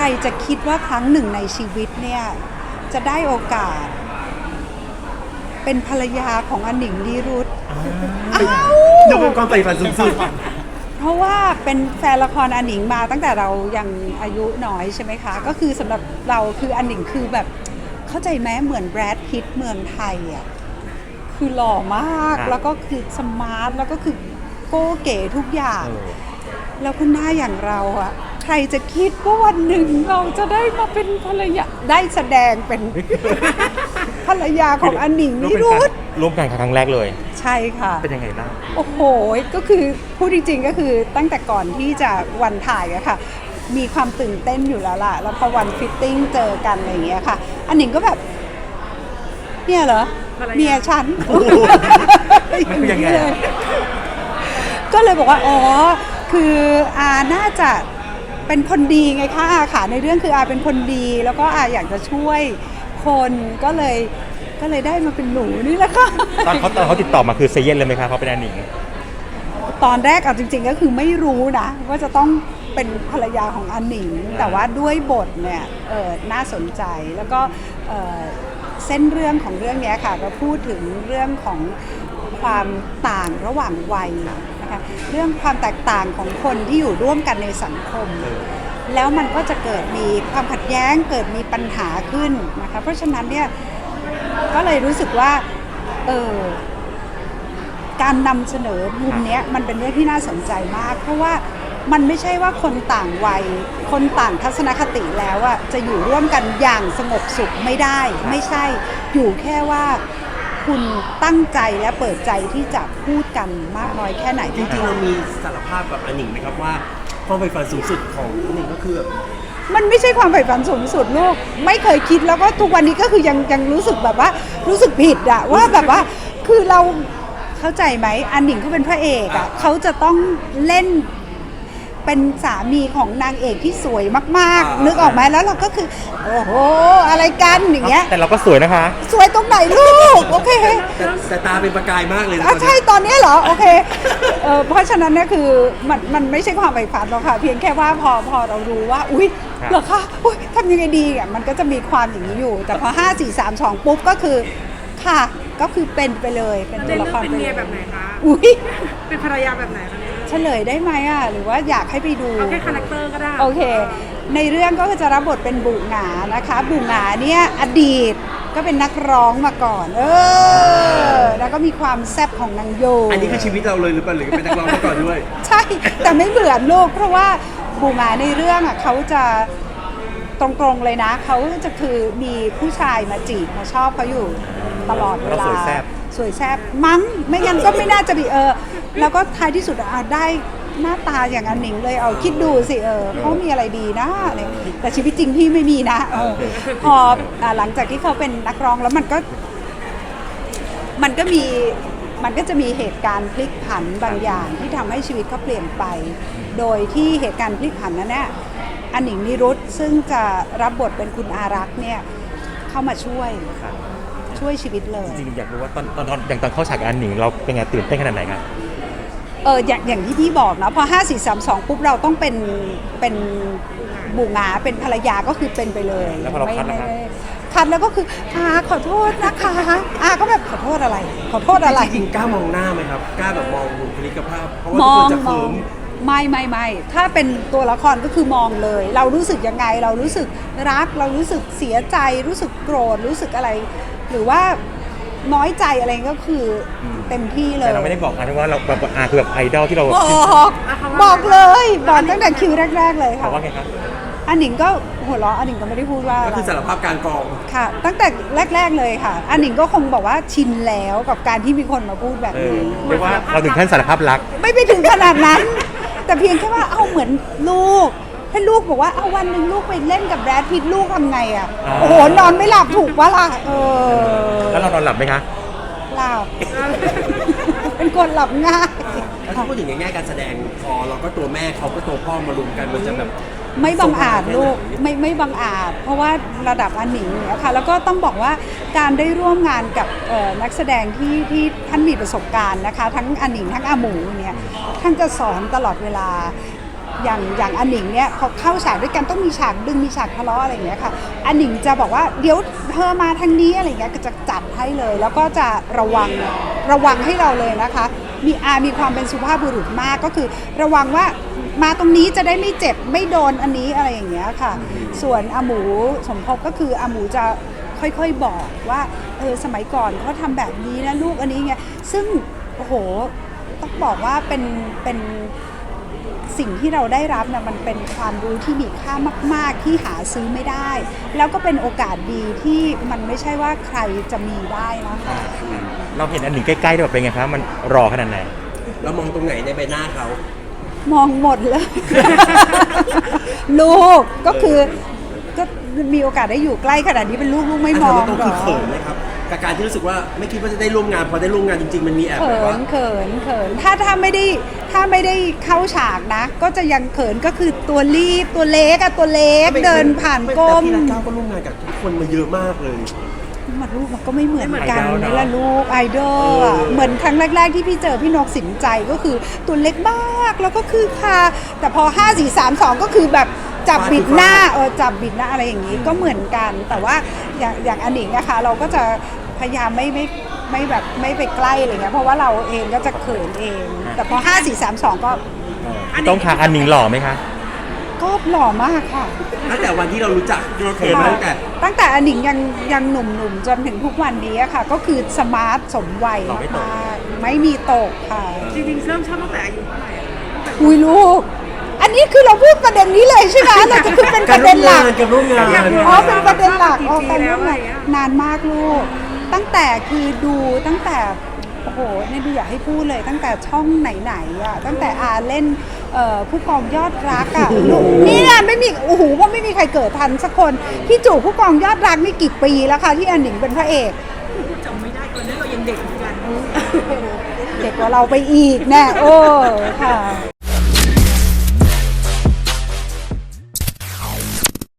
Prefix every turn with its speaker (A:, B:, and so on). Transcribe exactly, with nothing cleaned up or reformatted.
A: รจะคิดว่าครั้งหนึ่งในชีวิตเนี่ยจะได้โอกาสเป็นภรรยาของอนิงนิรุต
B: ดูเป็นความใฝ่ฝันสูงสุด
A: เพราะว่าเป็นแฟนละครอนิงมาตั้งแต่เรายังอายุน้อยใช่ไหมคะก็คือสำหรับเราคืออนิงคือแบบเข้าใจไหมเหมือนแบรดพิตต์เมืองไทยอ่ะคือหล่อมากแล้วก็คือสมาร์ทแล้วก็คือโก้เก๋ทุกอย่างแล้วคุณหน้าอย่างเราอะใครจะคิดว่าวันหนึ่งเราจะได้มาเป็นภรรยาได้แสดงเป็นภรรยาของอนิงนิรุต
C: ร่วมกันครั้งแรกเลย
A: ใช่ค่ะ
C: เป็นยังไงบ้าง
A: โอ้โหก็คือพูดจริงๆก็คือตั้งแต่ก่อนที่จะวันถ่ายอะค่ะมีความตื่นเต้นอยู่แล้วล่ะแล้วพอวันฟิตติ้งเจอกันอะไรอย่างเงี้ยค่ะอนิงก็แบบเนี่ยเหรอเมียฉัน
C: มันคือยังไง
A: ก็เลยบอกว่าอ๋อคืออาน่าจะเป็นคนดีไงคะอาค่ะในเรื่องคืออาเป็นคนดีแล้วก็อาอยากจะช่วยคนก็เลยก็เลยได้มาเป็นหนูนี่แหละค่ะ
C: ตอนเขาตอนเขาติดต่อมาคือเซเย่นเลยไหมคะเขาเป็นอนิง
A: ตอนแรกเอาจริงๆก็คือไม่รู้นะว่าจะต้องเป็นภรรยาของอนิงแต่ว่าด้วยบทเนี่ยเออน่าสนใจแล้วก็เออเส้นเรื่องของเรื่องนี้ค่ะก็พูดถึงเรื่องของความต่างระหว่างวัยนะคะเรื่องความแตกต่างของคนที่อยู่ร่วมกันในสังคมแล้วมันก็จะเกิดมีความขัดแย้งเกิดมีปัญหาขึ้นนะคะเพราะฉะนั้นเนี่ยก็เลยรู้สึกว่าเออการนำเสนอมุมนี้มันเป็นเรื่องที่น่าสนใจมากเพราะว่ามันไม่ใช่ว่าคนต่างวัยคนต่างทัศนคติแล้วอะจะอยู่ร่วมกันอย่างสงบสุขไม่ได้ไม่ใช่อยู่แค่ว่าคุณตั้งใจและเปิดใจที่จะพูดกันมากน้อยแค่ไหน
B: จริงๆเรามีสารภาพกับอนิงไหมครับว่าความใฝ่ฝันสูงสุดของอนิงก็คือ
A: มันไม่ใช่ความใฝ่ฝันสูงสุดลูกไม่เคยคิดแล้วก็ทุกวันนี้ก็คือยังยังรู้สึกแบบว่ารู้สึกผิดอะว่าแบบว่าคือเราเข้าใจไหมอนิงเขาเป็นพระเอกอะเขาจะต้องเล่นเป็นสามีของนางเอกที่สวยมากๆนึกออกไหมแล้วเราก็คือโอ้โหอะไรกันอย่างเงี้ย
C: แต่เราก็สวยนะคะ
A: สวยตรงไหนลูกโอเค
B: แต่ตาเป็นประกายมากเลยนะ
A: ใช่ตอนนี้เหรอโอเคเออเพราะฉะนั้นเนี่ยคือมันมันไม่ใช่ความใฝ่ฝันหรอกค่ะเพียงแค่ว่าพอพอเรารู้ว่าอุ๊ยเหรอคะอุ๊ยทำยังไงดีอ่ะมันก็จะมีความอย่างนี้อยู่แต่พอห้า สี่ สาม สองปุ๊บก็คือค่ะก็คือเป็นไปเลยเป็นตัวละคร
D: เป็นเมียแบบไหนคะ
A: อุ๊ย
D: เป็นภรรยาแบบไหนคะ
A: เฉลยได้ไหมอ่ะหรือว่าอยากให้ไปดู
D: เอาแค่คาแรคเตอร์ก็ได้
A: โอเคในเรื่องก็จะรับบทเป็นบุหงานะคะบุหงาเนี่ยอดีตก็เป็นนักร้องมาก่อนเออแล้วก็มีความแซ่บของนางโย
B: อันนี้คือชีวิตเราเลยหรือเปล่าหรือเป็นนักร้องมาก่อนด้วย
A: ใช่แต่ไม่เหมือนลูกเพราะว่าบุหงาในเรื่องอ่ะเขาจะตรงๆเลยนะเขาจะคือมีผู้ชายมาจีบมาชอบเขาอยู่ตลอดเวลาสวยแซ่บมั้งไม่งั้นก็ไม่น่าจะมีเออแล้วก็ท้ายที่สุดอ่ะได้หน้าตาอย่างอนิงเลยเอาคิดดูสิเออเขามีอะไรดีนะอะไรแต่ชีวิตจริงพี่ไม่มีนะเออพอหลังจากที่เขาเป็นนักร้องแล้วมันก็มันก็มีมันก็จะมีเหตุการณ์พลิกผันบางอย่างที่ทำให้ชีวิตเขาเปลี่ยนไปโดยที่เหตุการณ์พลิกผันนั้นเนี่ยอนิงนิรุตซึ่งจะรับบทเป็นคุณอารักษ์เนี่ยเข้ามาช่วยช่วยชีวิตเลย
C: จริงๆอยากรู้ว่าตอนตอนอย่างตอนเข้าฉากอนิงเราเป็นไงตื่นเต้นขนาดไหนครับ
A: เอออย่างอย่างที่พี่บอกนะพอห้า สี่ สาม สองปุ๊บเราต้องเป็นเป็นบุหงาเป็นภรรยาก็คือเป็นไปเลย
C: แล้วพอเราคัดนะครับ
A: คัดแล้วก็คืออาขอโทษนะคะอาก็แบบขอโทษอะไรขอโทษอะไร
B: จริงๆกล้ามองหน้าไหมครับกล้าแบบมองบุคลิกภาพเพราะว่าทุกคนจะเขิน
A: ไม่ไม่ไม่ถ้าเป็นตัวละครก็คือมองเลยเรารู้สึกยังไงเรารู้สึกรักเรารู้สึกเสียใจรู้สึกโกรธรู้สึกอะไรหรือว่าน้อยใจอะไรก็คือเต็มที่เลย
C: แต่เราไม่ได้บอกนะว่าเราแบบอาคือแบบไอดอลที่เรา
A: บอกบอกเลยบอกตั้งแต่คิวแรกๆเลยค่ะ
C: ว่าไงครับ
A: อันหนิงก็หัวเราะอันหนิงก็ไม่ได้พูดว่า
B: ก็คือสารภาพการกอง
A: ค่ะตั้งแต่แรกๆเลยค่ะอันหนิงก็คงบอกว่าชินแล้วกับการที่มีคนมาพูดแบบนี้
C: เรียกว่าเราถึงขั้นสารภาพรัก
A: ไม่ไปถึงขนาดนั้นแต่เพียงแค่ว่าเอาเหมือนลูกให้ลูกบอกว่าเอาวันหนึ่งลูกไปเล่นกับแบรดพิตต์ลูกทำไงอ่ะโอ้โหนอนไม่หลับถูกวะล่ะเออ
C: แล้วเรานอนหลับไหมคะ
A: หลับเป็นคนหลับง่าย
B: แล้วถ้าพูดถึงในแง่การแสดงพอเราก็ตัวแม่เขาก็ตัวพ่อมารวมกันมันจะแบบ
A: ไม่บังอาจลูกไม่ไม่บังอาจเพราะว่าระดับอันหนิงเนี่ยค่ะแล้วก็ต้องบอกว่าการได้ร่วมงานกับนักแสดงที่ที่ท่านมีประสบการณ์นะคะทั้งอันหนิงทั้งอาหมูเนี่ยท่านจะสอนตลอดเวลาอย่างอย่างอันหนิงเนี่ยพอเข้าฉากด้วยกันต้องมีฉากดึงมีฉากทะเลาะอะไรอย่างเงี้ยค่ะอันหนิงจะบอกว่าเดี๋ยวเธอมาทางนี้อะไรเงี้ยก็จะจัดให้เลย แล้วก็จะระวังระวังให้เราเลยนะคะ มีอามีความเป็นสุภาพบุรุษมากก็คือระวังว่ามาตรงนี้จะได้ไม่เจ็บไม่โดนอันนี้อะไรอย่างเงี้ยค่ะ ส่วนอาหมูสมภพก็คืออาหมูจะค่อยๆบอกว่าเออสมัยก่อนเขาทำแบบนี้นะลูกอันนี้ไงซึ่งโอ้โหต้องบอกว่าเป็นเป็นสิ่งที่เราได้รับนะมันเป็นความรู้ที่มีค่ามากๆที่หาซื้อไม่ได้ แล้วก็เป็นโอกาสดีที่มันไม่ใช่ว่าใครจะมีได้นะคะ
C: เราเห็นอันหนิงใกล้ๆด้วยแบบเป็นไงครับมันรอขนาดไหน
B: เรามองตรงไหนในใบหน้าเขา
A: มองหมดเลย ลูกก็คือก็มีโอกาสได้อยู่ใกล้ขนาดนี้เป็นลูกลูกไม่มอง
B: ตรง
A: หร
B: คือ
A: อ
B: เขินไหมครับกับการที่รู้สึกว่าไม่คิดว่าจะได้ร่วมงานพอได้ร่วมงานจริงๆมันมีแอบ
A: เขิ
B: แบบว่า
A: นเขินเขินถ้าถ้าไม่ได้ถ้าไม่ได้เข้าฉากนะ ก็จะยังเขินก็คือตัวรีบตัวเล็กอะตัวเล็กเดินผ่านก้ม
B: แต่พี่รักเก้าก็ร่วมงานกับทุกคนมาเยอะมากเลย
A: มันลูกมันก็ไม่เหมือน
C: ไม่เหมือน
A: กัน
C: ไอดอลเนอะ
A: นี่ละลูกไอดอลอะ
B: เออ
A: เหมือนครั้งแรก ๆ ที่พี่เจอพี่นกสินใจก็คือตัวเล็กมากแล้วก็คือค่ะแต่พอห้า สี่ สาม สองก็คือแบบจับบิดหน้าเออจับบิดหน้าอะไรอย่างนี้ก็เหมือนกัน แต่ว่าอย่างอย่างอันหนิงนะคะเราก็จะพยายามไม่ไม่ไม่แบบไม่ไปใกล้อะไรเงี้ยเพราะว่าเราเองก็จะเขินเอง แต่พอห้า สี่ สาม สองก็
C: ต้องค่ะอันหนิงหล่อไหมคะ
A: ก็หล่อมากค่ะ
B: ตั้งแต่วันที่เรารู้จักเราเขินมาตั้งแต่
A: ตั้งแต่อันหนิงยังยังหนุ่มๆจนถึงทุกวันนี้อะค่ะ ก็คือสมาร์ทสมวัย
C: หล่อไม่ตก
A: มากๆไม่มีตกค่ะ
D: จริงๆเริ่มชอบตั้งแต่อายุเท่าไหร่อะตั้งแต่
A: คุยลูก อันนี้คือเราพูดประเด็นนี้เลยใช่ไหมเราจะคือเป็นประเด็นหลัก
B: การร่วมงาน
D: อยากรู้
A: อ๋อเป็นประเด็นหลักอ๋อ
D: กี่
A: การ
D: ปี
A: ร่วม
D: แล้วอะไร
A: งาน
D: เงี้ย
A: นานมากลูก ตั้งแต่คือดูตั้งแต่โอ้โหเนี่ยดูอยากให้พูดเลย ตั้งแต่ช่องไหนๆอ่ะตั้งแต่อาเล่นเอ่อผู้กองยอดรักอ่ะลูกนี่นะไม่มีโอ้โหว่าไม่มีใครเกิดทันสักคนพี่จู่ผู้กองยอดรักนี่กี่ปีแล้วคะที่อันหนิงเป็นพระเอก
D: จำไม่ได้ตอนนั้นเรายังเด็กเหมือนกัน
A: เด็กกว่าเราไปอีกแน่โอ้ค่ะ